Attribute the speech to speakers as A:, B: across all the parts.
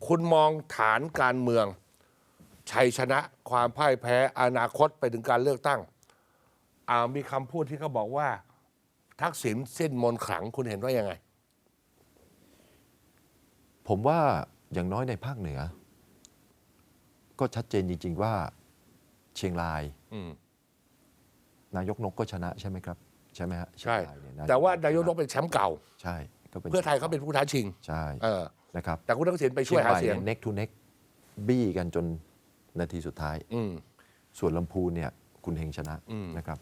A: คุณมองฐานการเมืองชัยชนะความพ่ายแพ้อนาคตไปถึงการเลือกตั้งมีคำพูดที่เขาบอกว่า ทักษิณสิ้นมนต์ขลังคุณเห็นว่ายังไง
B: ผมว่าอย่างน้อยในภาคเหนือ ก็ชัดเจนจริงๆว่าเชียงรายนายกนกก็ชนะใช่ไหมครับใช่ไหมฮะ
A: ใช่แต่ว่านายกนกเป็นแชมป์เก่า
B: ใช่ก็เป็น
A: เพื่อไทยเขาเป็นผู้ท้าชิง
B: ใช่นะครับ
A: แต่คุณทักษิณไปช่วยหาเสียง
B: เน็กทูเน็กบี้กันจนนาทีสุดท้ายส่วนลำพูนเนี่ยคุณเฮงชนะนะครับ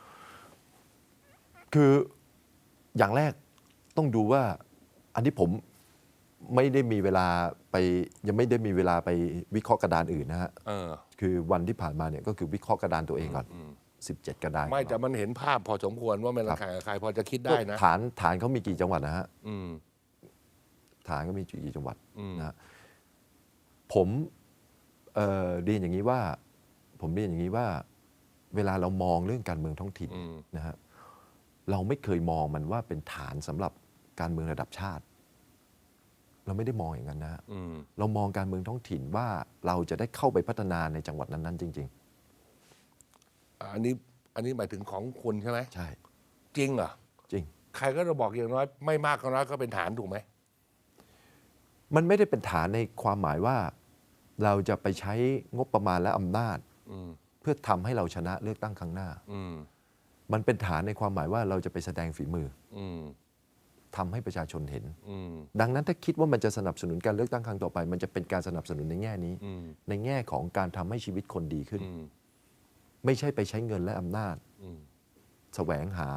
B: คืออย่างแรกต้องดูว่าอันที่ผมไม่ได้มีเวลาไปยังไม่ได้มีเวลาไปวิเคราะห์กระดานอื่นนะฮะคือวันที่ผ่านมาเนี่ยก็คือวิเคราะห์กระดานตัวเองก่อน17 กระดาน
A: ไม่แต่มันเห็นภาพพอสมควรว่ามันแข่งกับใครพอจะคิดได้นะ
B: ฐานเขามีกี่จังหวัดนะฮะฐานก็มีกี่จังหวัดนะฮะผมเรียนอย่างนี้ว่าเวลาเรามองเรื่องการเมืองท้องถิ่นนะฮะเราไม่เคยมองมันว่าเป็นฐานสำหรับการเมืองระดับชาติเราไม่ได้มองอย่างนั้นนะเรามองการเมืองท้องถิ่นว่าเราจะได้เข้าไปพัฒนาในจังหวัดนั้นๆจริง
A: ๆอันนี้หมายถึงของคุณใช่ไหม
B: ใช่
A: จริงเหรอ
B: จริง
A: ใครก็จะบอกอย่างน้อยไม่มากก็น้อยก็เป็นฐานถูกไหม
B: มันไม่ได้เป็นฐานในความหมายว่าเราจะไปใช้งบประมาณและอำนาจเพื่อทำให้เราชนะเลือกตั้งครั้งหน้ามันเป็นฐานในความหมายว่าเราจะไปแสดงฝีมือทำให้ประชาชนเห็นดังนั้นถ้าคิดว่ามันจะสนับสนุนการเลือกตั้งครั้งต่อไปมันจะเป็นการสนับสนุนในแง่นี้ในแง่ของการทำให้ชีวิตคนดีขึ้นไม่ใช่ไปใช้เงินและอำนาจแสวงหา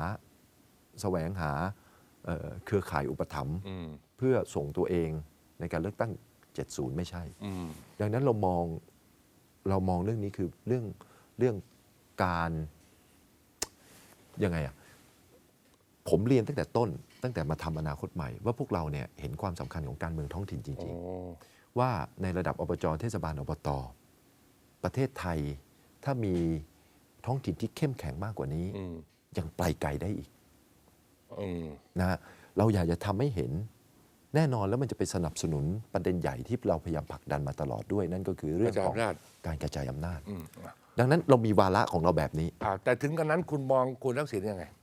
B: เครือข่ายอุปถัมภ์เพื่อส่งตัวเองในการเลือกตั้ง70ไม่ใช่ดังนั้นเรามองเรื่องนี้คือเรื่องการยังไงผมเรียนตั้งแต่ต้นตั้งแต่มาทำอนาคตใหม่ว่าพวกเราเนี่ยเห็นความสำคัญของการเมืองท้องถิ่นจริงๆว่าในระดับอบจ.เทศบาลอบต.ประเทศไทยถ้ามีท้องถิ่นที่เข้มแข็งมากกว่านี้ยังไปไกลได้อีกนะฮะเราอยากจะทำให้เห็นแน่นอนแล้วมันจะไปสนับสนุนประเด็นใหญ่ที่เราพยายามผลักดันมาตลอดด้วยนั่นก็คือเรื่องของการกระจายอำนาจดังนั้นเรามีวาระของเราแบบนี้
A: แต่ถึงกันนั้นคุณมองคุณทักษิณยังไง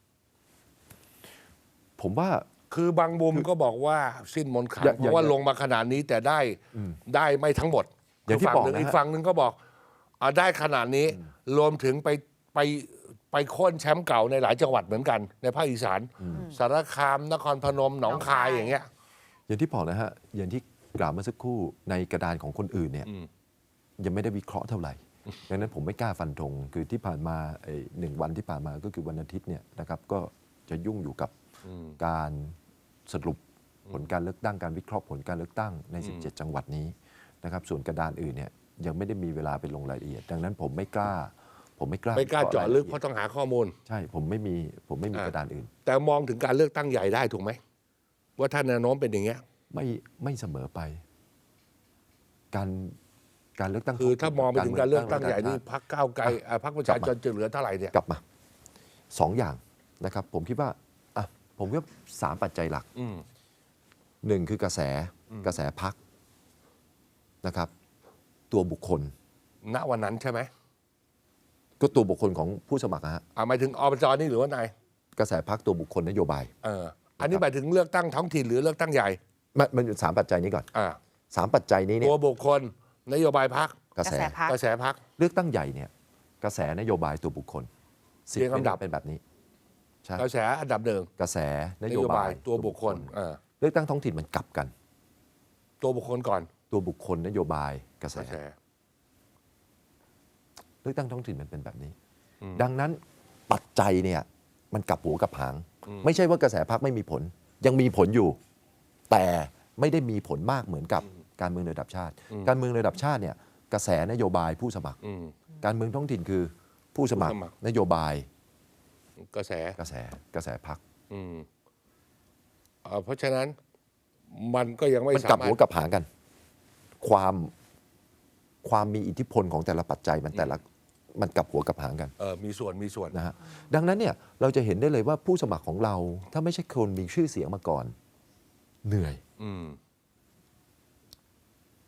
B: ผมว่า
A: คือบางมุมก็บอกว่าสิ้นมนต์ขลังเพราะว่าลงมาขนาดนี้แต่ได้ไม่ทั้งหมด
B: อย่างที่บอกนะ
A: อีกฝั่งหนึ่งก็บอกได้ขนาดนี้รวมถึงไปโค่นแชมป์เก่าในหลายจังหวัดเหมือนกันในภาคอีสานสารคามนครพนมหนองคายอย่างเงี้ย
B: อย่างที่บอกนะฮะอย่างที่กล่าวเมื่อสักครู่ในกระดานของคนอื่นเนี่ยยังไม่ได้วิเคราะห์เท่าไหร่ดังนั้นผมไม่กล้าฟันธงคือที่ผ่านมา1 วันที่ผ่านมาก็คือวันอาทิตย์เนี่ยนะครับก็จะยุ่งอยู่กับการสรุปผลการเลือกตั้งการวิเคราะห์ผลการเลือกตั้งใน17 จังหวัดนี้นะครับส่วนกระดานอื่นเนี่ยยังไม่ได้มีเวลาไปลงรายละเอียดดังนั้นผมไม่กล้า
A: เจาะลึกเพราะต้องหาข้อมูล
B: ใช่ผมไม่มีกระดานอื่น
A: แต่มองถึงการเลือกตั้งใหญ่ได้ถูกไหมว่าถ้าแนวโน้มเป็นอย่างเงี้ย
B: ไม่เสมอไปการเลือกตั้ง
A: คือถ้ามองไปถึงการเลือกตั้งใหญ่นี่พรรคก้าวไกลพรรคประชาชนจะเหลือเท่าไหร่เนี่ย
B: กลับมา2 อย่างนะครับผมคิดว่าผมคิดว่า3 ปัจจัยหลัก1คือกระแสพรรคนะครับตัวบุคคล
A: ณวันนั้นใช่ไหม
B: ก็ตัวบุคคลของผู้สมัครฮะ
A: หมายถึงอบจ.นี่หรือว่านาย
B: กระแสพรรคตัวบุคคลนโยบาย
A: อันนี้หมายถึงเลือกตั้งท้องถิ่นหรือเลือกตั้งใหญ่
B: มันอยู่3 ปัจจัยนี้ก่อน3 ปัจจัยนี้เนี่ย
A: ตัวบุคคลนโยบายพรรค
B: กระแสพ
A: รรค
B: เลือกตั้งใหญ่เนี่ยกระแสนโยบายตัวบุคคล
A: เรียงลำดับ
B: เป็นแบบนี้
A: กระแสอันดับ1
B: กระแสนโยบาย
A: ตัวบุคคล
B: เลือกตั้งท้องถิ่นมันกลับกัน
A: ตัวบุคคลก่อน
B: ตัวบุคคลนโยบายกระแสเลือกตั้งท้องถิ่นมันเป็นแบบนี้ดังนั้นปัจจัยเนี่ยมันกลับหัวกลับหางไม่ใช่ว่ากระแสพรรคไม่มีผลยังมีผลอยู่แต่ไม่ได้มีผลมากเหมือนกับการเมืองระดับชาติการเมืองระดับชาติเนี่ยกระแสนโยบายผู้สมัครการเมืองท้องถิ่นคือผู้สมัครนโยบาย
A: กระแ
B: สพรรค
A: เพราะฉะนั้นมันก็ยังไม่
B: มันกลับหัวกลับหางกันความมีอิทธิพลของแต่ละปัจจัยมันกลับหัวกลับหางกัน
A: มีส่วน
B: นะฮะดังนั้นเนี่ยเราจะเห็นได้เลยว่าผู้สมัครของเราถ้าไม่ใช่คนมีชื่อเสียงมาก่อนเหนื่อย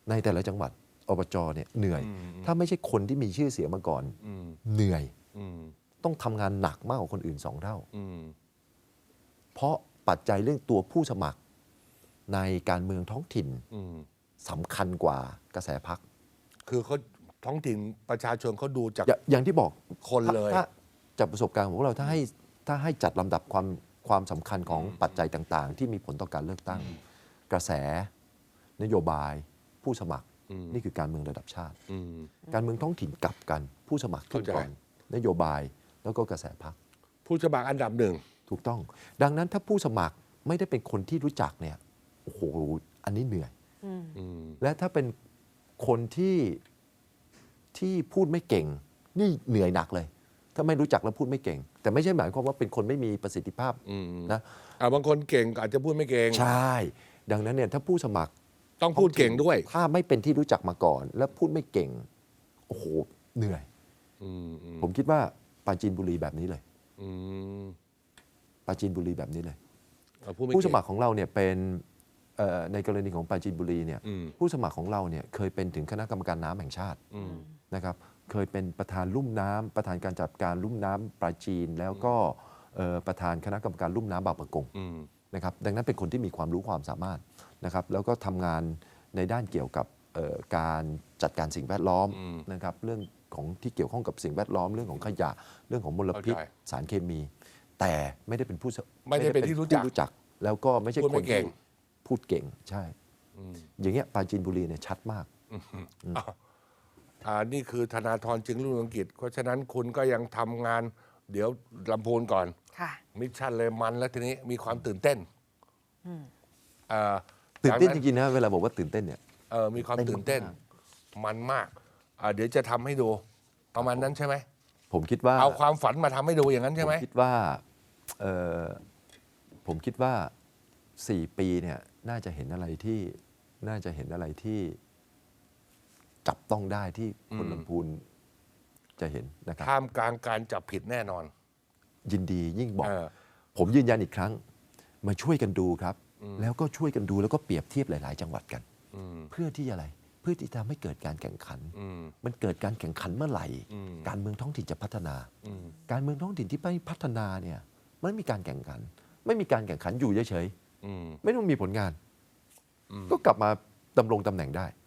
B: ในแต่ละจังหวัดอบจเนี่ยเหนื่อย ถ้าไม่ใช่คนที่มีชื่อเสียงมาก่อนเหนื่อยต้องทำงานหนักมากกว่าคนอื่น2 เท่าเพราะปัจจัยเรื่องตัวผู้สมัครในการเมืองท้องถิ่นสำคัญกว่ากระแสพรรค
A: คือเขาท้องถิ่นประชาชนเขาดูจาก
B: อย่างที่บอก
A: คนเลย
B: ถ้าจากประสบการณ์ของพวกเราถ้าให้จัดลำดับความสำคัญของปัจจัยต่างๆ ที่มีผลต่อการเลือกตั้ง กระแสนโยบายผู้สมัครนี่คือการเมืองระดับชาติ การเมืองท้องถิ่นกลับกันผู้สมัครขึ้นก่อนนโยบายแล้วก็กระแสพรรค
A: ผู้สมัครอันดับหนึ่ง
B: ถูกต้อง ดังนั้นถ้าผู้สมัครไม่ได้เป็นคนที่รู้จักเนี่ยโอ้โหอันนี้เหนื่อยและถ้าเป็นคนที่พูดไม่เก่งนี่เหนื่อยหนักเลย ถ้าไม่รู้จักแล้วพูดไม่เก่ง แต่ไม่ใช่หมายความว่าเป็นคนไม่มีประสิทธิภาพนะ
A: บางคนเก่งอาจจะพูดไม่เก่ง
B: ใช่ ดังนั้นเนี่ยถ้าผู้สมัคร
A: ต้องพูดเก่งด้วย
B: ถ้าไม่เป็นที่รู้จักมาก่อน แล้วพูดไม่เก่งโอ้โหเหนื่อยผมคิดว่าปราจีนบุรีแบบนี้เลยปราจีนบุรีแบบนี้เลย ผู้สมัครของเราเนี่ยเป็นในกรณีของปราจีนบุรีเนี่ยผู้สมัครของเราเนี่ยเคยเป็นถึงคณะกรรมการน้ำแห่งชาตินะครับเคยเป็นประธานลุ่มน้ำประธานการจัดการลุ่มน้ำปราจีนแล้วก็ประธานคณะกรรมการลุ่มน้ำบางปะกงนะครับดังนั้นเป็นคนที่มีความรู้ความสามารถนะครับแล้วก็ทำงานในด้านเกี่ยวกับการจัดการสิ่งแวดล้อมนะครับเรื่องของที่เกี่ยวข้องกับสิ่งแวดล้อมเรื่องของขยะเรื่องของมลพิษสารเคมี แต่ไม่ได้เป็น
A: ไม่ได้เป็นที่รู้จัก
B: แล้วก็ไม่ใช่คนที่พูดเก่งใช่ อย่างเงี้ยปราจีนบุรีเนี่ยชัดมาก
A: นี่คือธนาธรจึงรุ่งเรืองกิจเพราะฉะนั้นคุณก็ยังทำงานเดี๋ยวลำพูนก่อนมิชชั่นเลยมันแล้วทีนี้มีความตื่นเต้น
B: ตื่นเต้นจริงๆนะเวลาบอกว่าตื่นเต้นเนี่ย
A: มีความตื่นเต้นมันมากเดี๋ยวจะทำให้ดูประมาณนั้นใช่ไหม
B: ผมคิดว่า
A: เอาความฝันมาทำให้ดูอย่างนั้นใช่ไหม
B: ผมคิดว่า4 ปีเนี่ยน่าจะเห็นอะไรที่จับต้องได้ที่คนลำพูนจะเห็นนะครับ
A: ท่ามกลางการจับผิดแน่นอน
B: ยินดียิ่งบอกผมยืนยันอีกครั้งมาช่วยกันดูครับแล้วก็ช่วยกันดูแล้วก็เปรียบเทียบหลายๆจังหวัดกันเพื่อที่อะไรเพื่อที่จะไม่เกิดการแข่งขันมันเกิดการแข่งขันเมื่อไหร่การเมืองท้องถิ่นจะพัฒนาการเมืองท้องถิ่นที่ไม่พัฒนาเนี่ยไม่มีการแข่งขันไม่มีการแข่งขันอยู่เฉยๆไม่ต้องมีผลงานก็กลับมาดำรงตำแหน่งได้